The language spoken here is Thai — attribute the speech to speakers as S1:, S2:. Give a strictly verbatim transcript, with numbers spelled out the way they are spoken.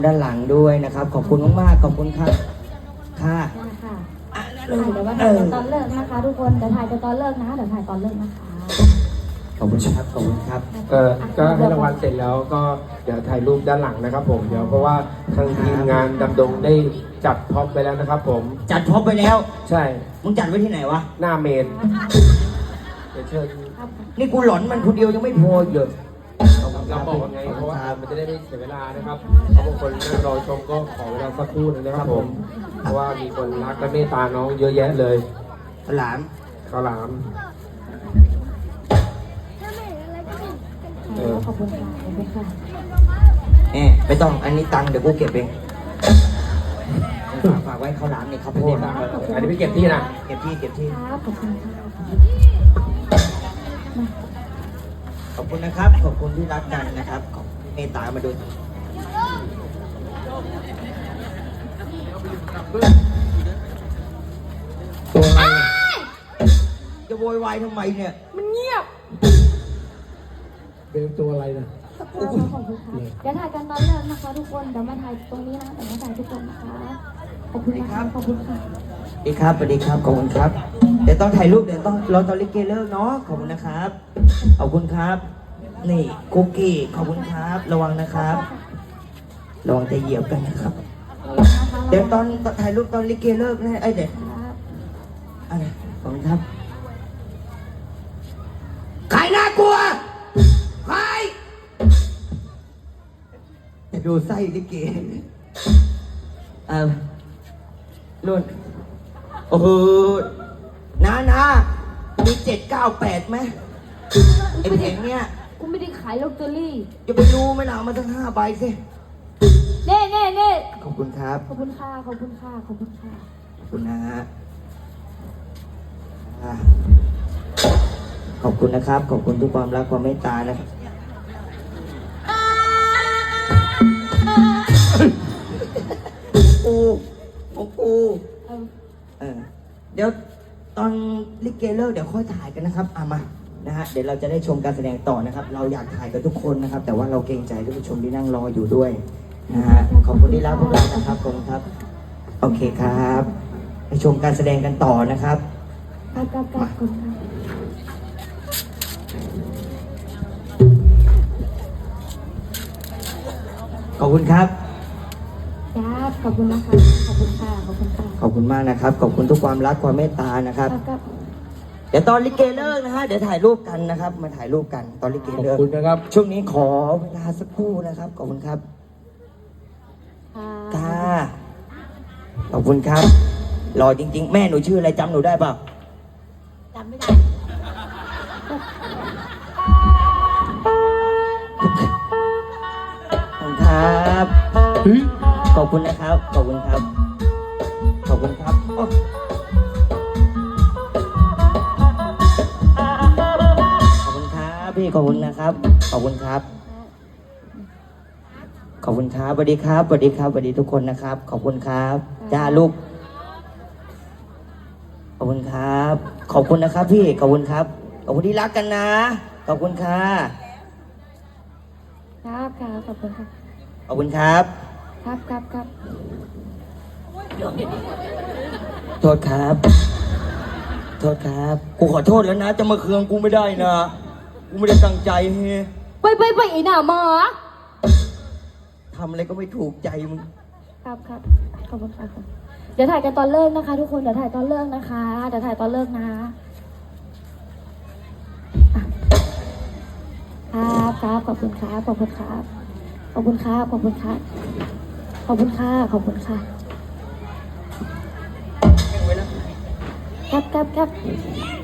S1: ด้านหลังด้วยนะครับขอบคุณมากๆขอบคุณครับค่ะ
S2: ค่ะเดี๋ยวว่าถ่ายตอนเลิกนะคะทุกคนเดี๋ยวถ่ายตอนเลิกนะเดี๋ยวถ่ายตอนเลิกนะคะ
S1: ขอบคุณครับขอบคุณครับ
S3: เออก็ให้รางวัลเสร็จแล้วก็เดี๋ยวถ่ายรูปด้านหลังนะครับผมเดี๋ยวเพราะว่าทางทีมงานดำดงได้จัดพ็อปไปแล้วนะครับผม
S1: จัดพ็อปไปแล้ว
S3: ใช่
S1: มึงจัดไว้ที่ไหนวะ
S3: หน้าเมนเดี๋ยวเชิญ
S1: นี่กูหลอนมันคนเดียวยังไม่พอเยอะ
S3: เราบอกว่าไงเพราะว่ามันจะได้ไม่เสียเวลานะครับเพราะบางคนนั่งรอชมก็ขอเวลาสักครู่นึงนะครับผมเพราะว่ามีคนรักและเมตตาน้องเยอะแยะเลย
S1: ข้าวหลาม
S3: ข้าวหลาม
S2: ขอบคุณค่ะขอบคุณค่ะ
S1: เอ๊ะไม่ต้องอันนี้ตังค์เดี๋ยวกูเก็บเองฝากไว้ข้าวหลามนี่ข้าวโพด
S3: อันนี้ไปเก็บที่นะ
S1: เก็บที่เก็บที่
S2: ขอบคุณค่ะ
S1: ขอบคุณนะครับขอบคุณที่รักกันนะครับขอบเมตตามาดูตัวอะไรจะโวยวายทำไมเนี่ย
S2: มันเงียบ
S3: เป็นตัวอะไรนะ
S2: ขอบคุณค่ะเดี๋ยวถ่ายกันตอนเลิกนะคะทุกคนเดี๋ยวมาถ่ายตรงนี้นะเดี๋ยวมาถ่ายทุกคนนะคะขอบคุณครับขอบคุณค่ะ
S1: สวัสดีครับสวัสดีครับขอบคุณครับเดี๋ยวต้องถ่ายรูปเดี๋ยวต้องรอตอนลิเกเลิกเนาะขอบคุณนะครับขอบคุณครับนี่คุกกี้ขอบคุณครับระวังนะครับระวังจะเหยียบกันนะครับเดี๋ยวตอนถ่ายรูปตอนลิเกเลิกนะไอ้เด็กอะไรขอบคุณครับใครน่ากลัวใครจะดูไส้ลิเกเออรุ่นโอ้โหน้าน้ามีเจ็ดเก้าแปดไหมไอ้เพลงเนี้ย
S2: กูไม่ได้ขายลอตเตอรี่
S1: จะไปรู้ไหมล่ะมาตั้งห้าใบสิ
S2: เน่เน่เน่
S1: ขอบคุณครับ
S2: ขอบคุณค่ะขอบคุณค่ะขอบคุณค่ะ
S1: ขอบคุณนะฮะขอบคุณนะครับขอบคุณทุกความรักความเมตตานะครับกูของกูเออเดี๋ยวตอนลิเกเลิกเดี๋ยวค่อยถ่ายกันนะครับเอามานะฮะเดี๋ยวเราจะได้ชมการแสดงต่อนะครับเราอยากถ่ายกับทุกคนนะครับแต่ว่าเราเกรงใจท่านผู้ชมที่นั่งรออยู่ด้วยนะฮะขอบคุณที่รับพวกเรานะครับขอบคุณครับโอเคครับไปชมการแสดงกันต่อนะครับ
S2: ครับครับครับขอบคุณค่ะ
S1: ขอบคุณครับ
S2: ครับขอบคุณนะคะขอบคุณค่ะขอบคุณค่ะ
S1: ขอบคุณมากนะครับขอบคุณทุกความรักความเมตตานะครับเดี๋ยวตอนลิเกเลิกนะฮะเดี๋ยวถ่ายรูปกันนะครับมาถ่ายรูปกันตอนลิเกเลิก
S3: ขอบคุณนะครับ
S1: ช่วงนี้ขอเวลาสักครู่นะครับขอบคุณครับค่ะขอบคุณครับรอจริงๆแม่หนูชื่ออะไรจำหนูได้เปล่า
S2: จำไม่ได้
S1: ขอบคุณครับขอบคุณนะครับขอบคุณครับขอบคุณครับขอบคุณครับพี่ขอบคุณนะครับขอบคุณครับขอบคุณครับสวัสดีครับสวัสดีครับสวัสดีทุกคนนะครับขอบคุณครับจ้าลูกขอบคุณครับขอบคุณนะครับพี่ขอบคุณครับขอบคุณที่รักกันนะขอบคุณค่ะ
S2: ครับครับขอบคุณครับ
S1: ขอบคุณครับ
S2: ครับครับครับ
S1: โทษครับโทษครับกูขอโทษแล้วนะจะมาเคืองกูไม่ได้นะกูไม่ได้ตั้งใจเฮ้
S2: ไปไปไปไอ้หน้าหมา
S1: ทำอะไรก็ไม่ถูกใจมึง
S2: ครับครับขอบคุณค่ะเดี๋ยวถ่ายกันตอนเลิกนะคะทุกคนเดี๋ยวถ่ายตอนเลิกนะคะเดี๋ยวถ่ายตอนเลิกนะครับครับขอบคุณครับขอบคุณครับขอบคุณครับขอบคุณครับขอบคุณค่ะขอบคุณค่ะครับครับครับ